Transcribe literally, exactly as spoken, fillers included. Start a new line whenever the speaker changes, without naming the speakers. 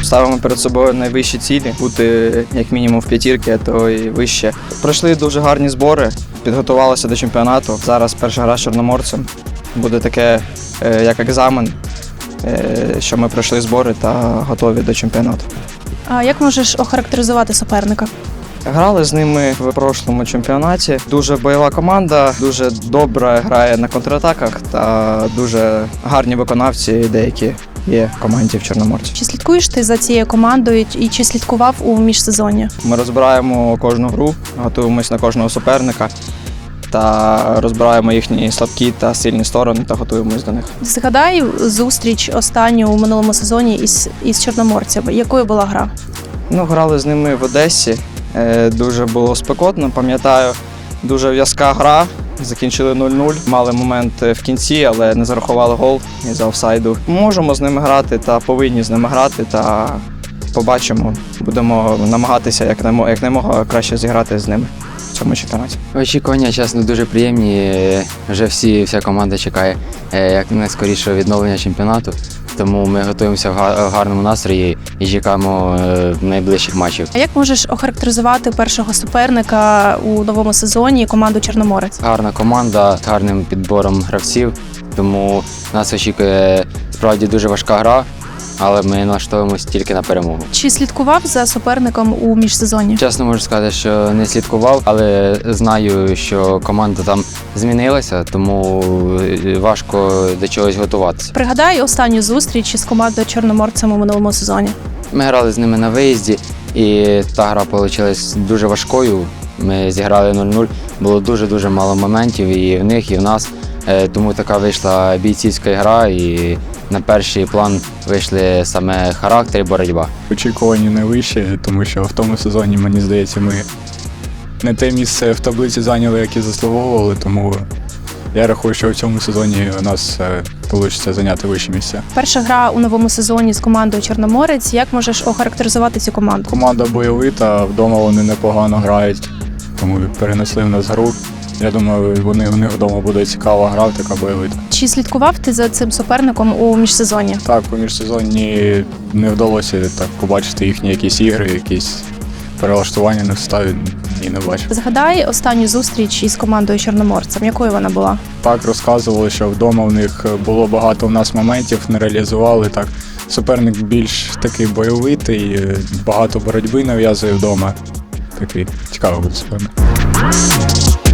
ставимо перед собою найвищі цілі, бути як мінімум в п'ятірці, а то і вище. Пройшли дуже гарні збори, підготувалися до чемпіонату. Зараз перша гра з Чорноморцем. Буде таке, як екзамен, що ми пройшли збори та готові до чемпіонату.
А як можеш охарактеризувати суперника?
Грали з ними в прошлому чемпіонаті. Дуже бойова команда, дуже добре грає на контратаках та дуже гарні виконавці деякі є в команді в Чорноморці.
Чи слідкуєш ти за цією командою і чи слідкував у міжсезонні?
Ми розбираємо кожну гру, готуємось на кожного суперника та розбираємо їхні слабкі та сильні сторони та готуємось до них.
Згадай зустріч останню у минулому сезоні із, із чорноморцями. Якою була гра?
Ну, грали з ними в Одесі. Дуже було спекотно, пам'ятаю, дуже в'язка гра, закінчили нуль нуль, мали момент в кінці, але не зарахували гол із офсайду. Можемо з ними грати та повинні з ними грати, та побачимо, будемо намагатися якнаймога краще зіграти з ними в цьому чемпіонаті.
Очікування, чесно, дуже приємні, вже всі, вся команда чекає як найскорішого відновлення чемпіонату. Тому ми готуємося в гарному настрої і чекаємо найближчих матчів.
А як можеш охарактеризувати першого суперника у новому сезоні команду Чорноморець?
Гарна команда з гарним підбором гравців, тому нас очікує справді дуже важка гра, але ми налаштовуємося тільки на перемогу.
Чи слідкував за суперником у міжсезонні?
Чесно можу сказати, що не слідкував, але знаю, що команда там змінилася, тому важко до чогось готуватися.
Пригадай останню зустріч із командою Чорноморцем у минулому сезоні.
Ми грали з ними на виїзді, і та гра вийшла дуже важкою. Ми зіграли нуль нуль, було дуже-дуже мало моментів і в них, і в нас. Тому така вийшла бійцівська гра, і на перший план вийшли саме характер і боротьба.
Очікування найвищі, тому що в тому сезоні, мені здається, ми не те місце в таблиці зайняли, яке заслуговували, тому я рахую, що в цьому сезоні у нас вийде зайняти вище місце.
Перша гра у новому сезоні з командою Чорноморець. Як можеш охарактеризувати цю команду?
Команда бойовита, вдома вони непогано грають, тому перенесли в нас гру. Я думаю, вони, у них вдома буде цікава гра, така бойовита.
Чи слідкував ти за цим суперником у міжсезонні?
Так, у міжсезонні не вдалося так побачити їхні якісь ігри, якісь перелаштування на ставі, ні, не бачив.
Згадай останню зустріч із командою Чорноморцем. Якою вона була?
Так, розказували, що вдома в них було багато у нас моментів, не реалізували. Так, суперник більш такий бойовитий, багато боротьби нав'язує вдома. Такий цікавий буде суперник.